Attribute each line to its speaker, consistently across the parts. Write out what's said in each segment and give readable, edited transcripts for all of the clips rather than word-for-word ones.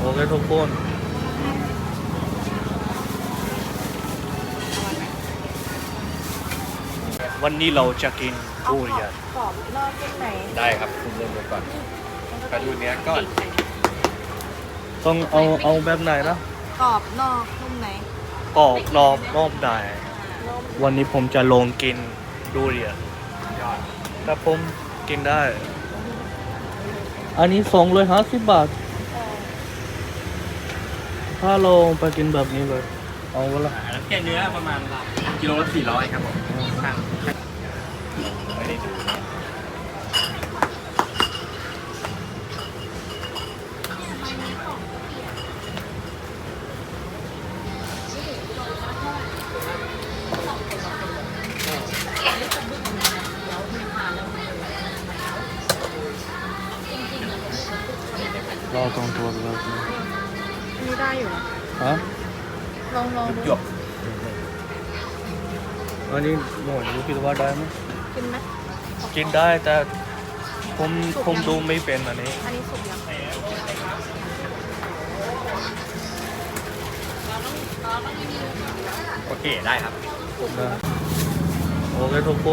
Speaker 1: เคทุกคนวันนี้เราจะกินทุเรียน
Speaker 2: กรอบนอกนุ่มใน
Speaker 3: ได้ครับคุณเริ่มก่อนไปดูเนี้ยก่อน
Speaker 1: ต้องเอาแบบไหนนะ
Speaker 2: กรอบนอกนุ่มใน
Speaker 1: กรอบนอกนุ่มในวันนี้ผมจะลองกินทุเรียน
Speaker 3: ยอด
Speaker 1: แต่ผมกินได้ อันนี้250 บาท ถ้าเราไปกินแบบนี้เลย เอาเวลา
Speaker 3: แล้วแค่เนื้อประมาณกิโลละ400ครับผมช่างไม่ได้ดูนะ
Speaker 1: เราต้องตัวแบบนี้
Speaker 2: อันนี้ได้อยู่นะ
Speaker 1: ฮะ
Speaker 2: ลองดู
Speaker 3: หยก
Speaker 1: อันนี้หมดรู้คิดว่าได้ไหม
Speaker 2: กินไหม
Speaker 1: กินได้แต่ผมดูไม่เป็นอันนี้
Speaker 2: อันนี้สุกยัง
Speaker 3: โอเคได้ครับ
Speaker 1: ได้โอเคทุกคน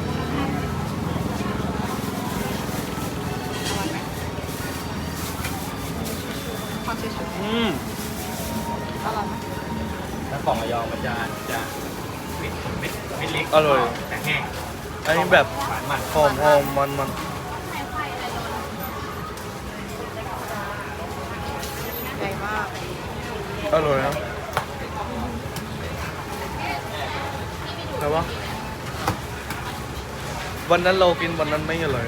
Speaker 2: ความเฉย
Speaker 1: อืม
Speaker 2: ๆอร่อยไหม
Speaker 3: แล้วของระยองมันจะเม็ดเล็ก
Speaker 1: อร่อย
Speaker 3: แต่แห้ง
Speaker 1: อันนี้แบบ
Speaker 3: หวานมัน
Speaker 1: หอมมัน
Speaker 2: ใหญ่มาก
Speaker 1: อร่อยนะแต่ว่าวันนั้นเรากินวันนั้นไม่อร่อย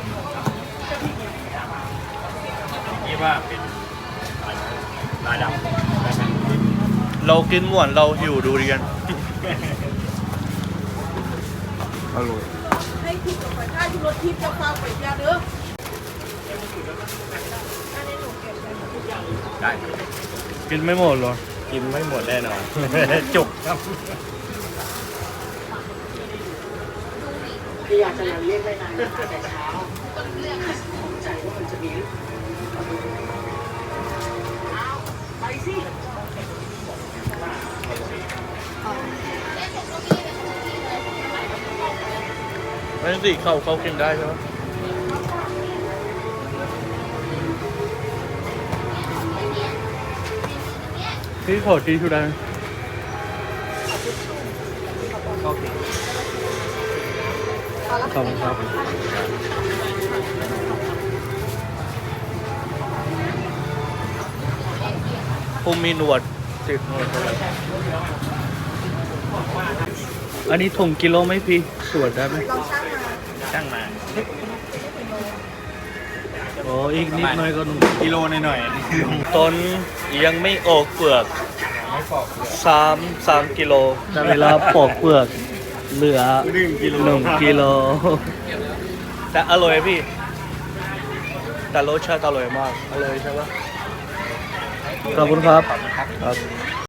Speaker 3: นี่ว่าเป็นลาดำได้ไหม
Speaker 1: เรากินหวานเราหิวดูเรียนอร่อย
Speaker 2: ให้ทิพย์กับไฟข้าอยู่รถทิพย์จะฟังไปยาเด้ออันนี้หนูเก็บไปหมดทุกอย่าง
Speaker 3: ได้
Speaker 1: กินไม่หมดหรอ
Speaker 3: กินไม่หมดแน่นอน จุกครับ
Speaker 4: พี่อยากจะยังเรียกไม่นานนะคะแต่เช้าผมใจว่ามันจะมีไปสิ
Speaker 1: ไม่สิเขากินได้ใช่ไหมพี่ขอทีชูได้ไหม
Speaker 3: โอเค
Speaker 1: ขอบคุณครับผมมีหนวดติดหนวดอะไรอันนี้ถุงกิโลไหมพี่ตรวจได้ไหม
Speaker 2: ลองช่างมา
Speaker 3: ช่างมา
Speaker 1: โอ้อีกนิดหน่อยก็หนุ่ม
Speaker 3: กิโลหน่อย
Speaker 1: ต้นยังไม่ออกเปลือก
Speaker 3: ๆไม่ปอกเลย
Speaker 1: 3 กิโลแต่เวลาปอกเปลือกเหลือ
Speaker 3: 1 กิโล
Speaker 1: 1 กิโลแต่อร่อยพี่ แต่รสชาติอร่อยมากอร่อยใช่ปะขอบคุณครับ
Speaker 3: ขอบคุณครับ
Speaker 1: ครับ